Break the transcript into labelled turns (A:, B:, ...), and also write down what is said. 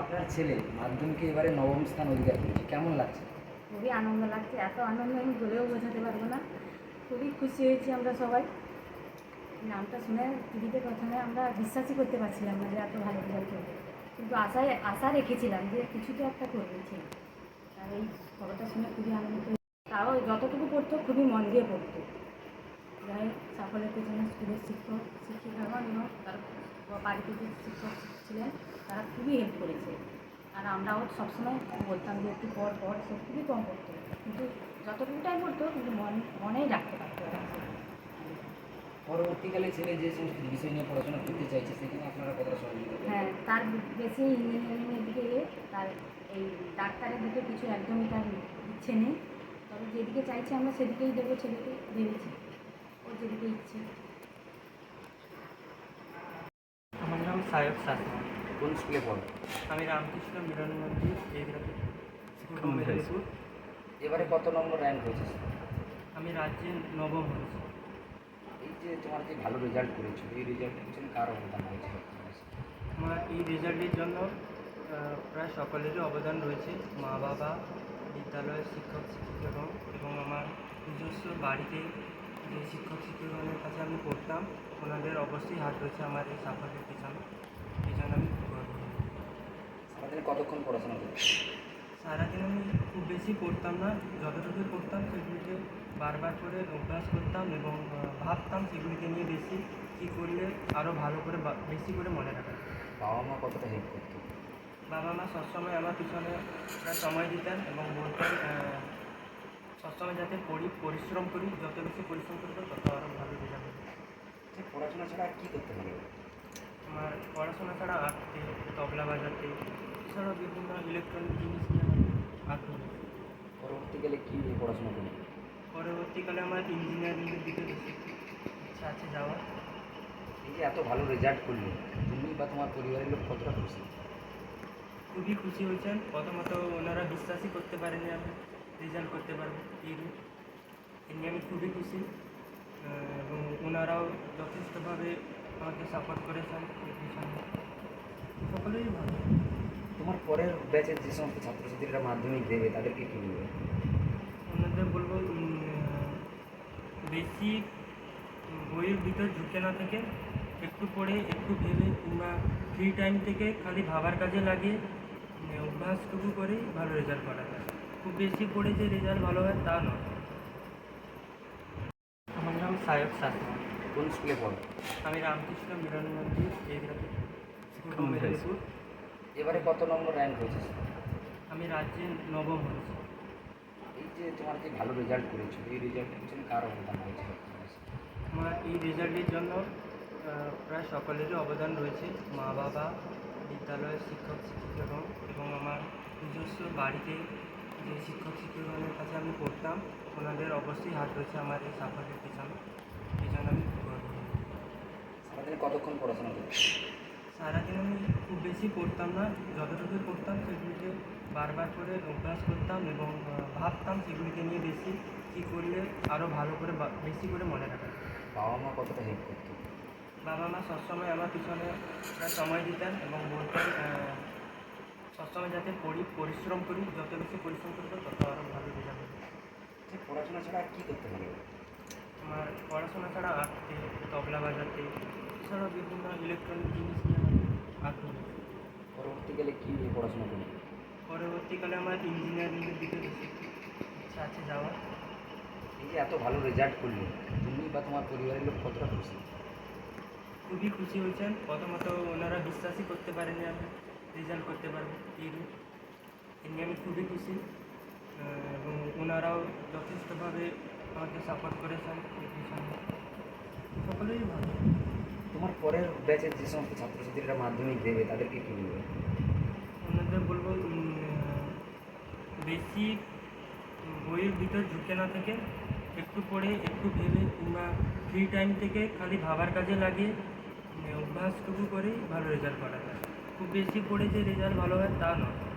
A: আপনার ছেলে মাধ্যমিকে এবারে নবম স্থান অধিকার করেছে, কেমন লাগছে?
B: খুবই আনন্দ লাগছে। এত আনন্দ আমি বলেও বোঝাতে পারবো না। খুবই খুশি হয়েছি আমরা সবাই। নামটা শুনে টিভিতে প্রথমে আমরা বিশ্বাসই করতে পারছিলাম না যে এত ভালো রেজাল্ট করবে, কিন্তু আশা রেখেছিলাম যে কিছু তো একটা করবে ছেলে। আর এই খবরটা শুনে খুবই আনন্দিত হয়েছি। তাও যতটুকু পড়তো খুবই মন দিয়ে পড়তো। যাই সাফল্যের পেছনে স্কুলের শিক্ষিকাগণ এবং তার বাড়িতে যে শিক্ষক ছিলেন তারা খুবই হেল্প করেছে। আর আমরাও সবসময় বলতাম যে একটু পর সে খুবই কম পড়তো, কিন্তু যতটুকুটাই পড়তো কিন্তু মনেই রাখতে পারতো ওরা।
A: পরবর্তীকালে ছেলে যে সমস্ত বিষয় নিয়ে পড়াশোনা করতে চাইছে সেখানে আপনারা কতটা সহযোগিতা করবেন?
B: হ্যাঁ, তার বেশি ইঞ্জিনিয়ারিংয়ের দিকে তার এই ডাক্তারের দিকে কিছু একদমই তার ইচ্ছে নেই। তবে যেদিকে চাইছে আমরা সেদিকেই দেবো, ছেলেকে ভেবেছি ওর যেদিকে ইচ্ছে।
C: আমার নাম সায়ক শাসমল।
A: কোন স্কুলে পড়ো?
C: আমি রামকৃষ্ণ মিলন মন্দির জিওগ্রাফি স্কুল মেদিনীপুর।
A: এবারে কত নম্বর র্যাঙ্ক হয়েছে?
C: আমি রাজ্যে নবম হয়েছি।
A: এই যে তোমার যে ভালো রেজাল্ট করেছো, এই রেজাল্টের পিছনে কার অবদান হয়েছে?
C: আমার এই রেজাল্টের জন্য প্রায় সকলেরই অবদান রয়েছে। মা বাবা, বিদ্যালয়ের শিক্ষক শিক্ষিকাগণ এবং আমার নিজস্ব বাড়িতে যে শিক্ষক শিক্ষকগণের কাছে আমি পড়তাম ওনাদের অবশ্যই হাত রয়েছে আমার এই সাফল্যের পিছনে। এই জন্য আমি খুব গর্ব করি।
A: সারাদিনে কতক্ষণ পড়াশোনা করছো?
C: সারাদিন আমি খুব বেশি পড়তাম না, যতটুকু পড়তাম সেগুলিকে বারবার করে অভ্যাস করতাম এবং ভাবতাম সেগুলিকে নিয়ে বেশি কী করলে আরও ভালো করে বেশি করে মনে রাখা যায়।
A: বাবা মা কতটা হেল্প করতো?
C: বাবা মা সবসময় আমার পিছনে প্রায় সময় দিতেন এবং বলতেন সবসময় যাতে পরিশ্রম করি, যত বেশি পরিশ্রম করবো তত আরও ভালো রেজাল্ট হবে।
A: যে পড়াশোনা ছাড়া আর কী করতে ভালো লাগে?
C: আমার পড়াশোনা ছাড়া আঁকতে, তবলা বাজাতে, এছাড়াও বিভিন্ন ইলেকট্রনিক জিনিস নিয়ে আমার আগ্রহ।
A: পরবর্তীকালে কী নিয়ে পড়াশোনা করবে?
C: পরবর্তীকালে আমার ইঞ্জিনিয়ারিংয়ের দিকে বেশি ইচ্ছা আছে যাওয়ার।
A: এই যে এত ভালো রেজাল্ট করলে তুমি বা তোমার পরিবারের লোক কতটা খুশি?
C: খুবই খুশি হয়েছেন। প্রথমত ওনারা বিশ্বাসই করতে পারেনি আমি রেজাল্ট করতে পারবো এই নিয়ে আমি খুবই খুশি। এবং ওনারাও যথেষ্টভাবে আমাকে সাপোর্ট করেছেন এই পিছনে। সকলেই ভালো।
A: তোমার পরের ব্যাচের যে সমস্ত ছাত্রছাত্রীরা মাধ্যমিক দেবে তাদেরকে কী বলবে?
C: ওনাদের বলবো বেশি বইয়ের ভিতর ঝুঁকে না থেকে একটু পড়ে একটু ভেবে কিংবা ফ্রি টাইম থেকে খালি ভাবার কাজে লাগিয়ে অভ্যাসটুকু করেই ভালো রেজাল্ট করা যায়। খুব বেশি পড়ে যে রেজাল্ট ভালো হয় তা নয়। আমার নাম সায়ক শাসমল।
A: কোন স্কুলে পড়ো?
C: আমি রামকৃষ্ণ মিলন মন্দির জিওগ্রাফি স্কুল মেদিনীপুর।
A: এবারে কত নম্বর র্যাঙ্ক হয়েছে?
C: আমি রাজ্যে নবম হয়েছি।
A: এই যে তোমার যে ভালো রেজাল্ট করেছো, এই রেজাল্টের পিছনে কার অবদান হয়েছে?
C: আমার এই রেজাল্টের জন্য প্রায় সকলেরই অবদান রয়েছে। মা বাবা, বিদ্যালয়ের শিক্ষক শিক্ষিকাগণ এবং আমার নিজস্ব বাড়িতে যে শিক্ষক শিক্ষকগণের কাছে আমি পড়তাম ওনাদের অবশ্যই হাত রয়েছে আমার এই সাফল্যের পিছনে। এই জন্য আমি খুব গর্ব করি।
A: সারাদিনে কতক্ষণ পড়াশোনা করছো?
C: সারাদিন আমি খুব বেশি পড়তাম না, যতটুকু পড়তাম সেগুলিকে বারবার করে অভ্যাস করতাম এবং ভাবতাম সেগুলিকে নিয়ে বেশি কী করলে আরও ভালো করে বেশি করে মনে রাখা যায়।
A: বাবা মা কতটা হেল্প করতো?
C: বাবা মা সবসময় আমার পিছনে প্রায় সময় দিতেন এবং বলতেন সবসময় যাতে পরিশ্রম করি, যত বেশি পরিশ্রম করবো তত আরও ভালো রেজাল্ট হবে।
A: যে পড়াশোনা ছাড়া আর কী করতে ভালো লাগে?
C: আমার পড়াশোনা ছাড়া আঁকতে, তবলা বাজাতে, এছাড়াও বিভিন্ন ইলেকট্রনিক জিনিস নিয়ে আমার আগ্রহ।
A: পরবর্তীকালে কী নিয়ে পড়াশোনা করবে?
C: পরবর্তীকালে আমার ইঞ্জিনিয়ারিংয়ের দিকে বেশি ইচ্ছা আছে যাওয়ার।
A: এই যে এত ভালো রেজাল্ট করলে তুমি বা তোমার পরিবারের লোক কতটা খুশি?
C: খুবই খুশি হয়েছেন। প্রথমত ওনারা বিশ্বাসই করতে পারেনি আমি রেজাল্ট করতে পারবো এই নিয়ে আমি খুবই খুশি। এবং ওনারাও যথেষ্টভাবে আমাকে সাপোর্ট করেছেন এই পিছনে। সকলেই ভালো।
A: তোমার পরের ব্যাচের যে সমস্ত ছাত্রছাত্রীরা মাধ্যমিক দেবে তাদেরকে কী বলবে?
C: ওনাদের বলবো বেশি বইয়ের ভিতর ঝুঁকে না থেকে একটু পড়ে একটু ভেবে কিংবা ফ্রি টাইম থেকে খালি ভাবার কাজে লাগিয়ে অভ্যাসটুকু করেই ভালো রেজাল্ট করা যায়। খুব বেশি পড়ে যে রেজাল্ট ভালো হয় তা নয়।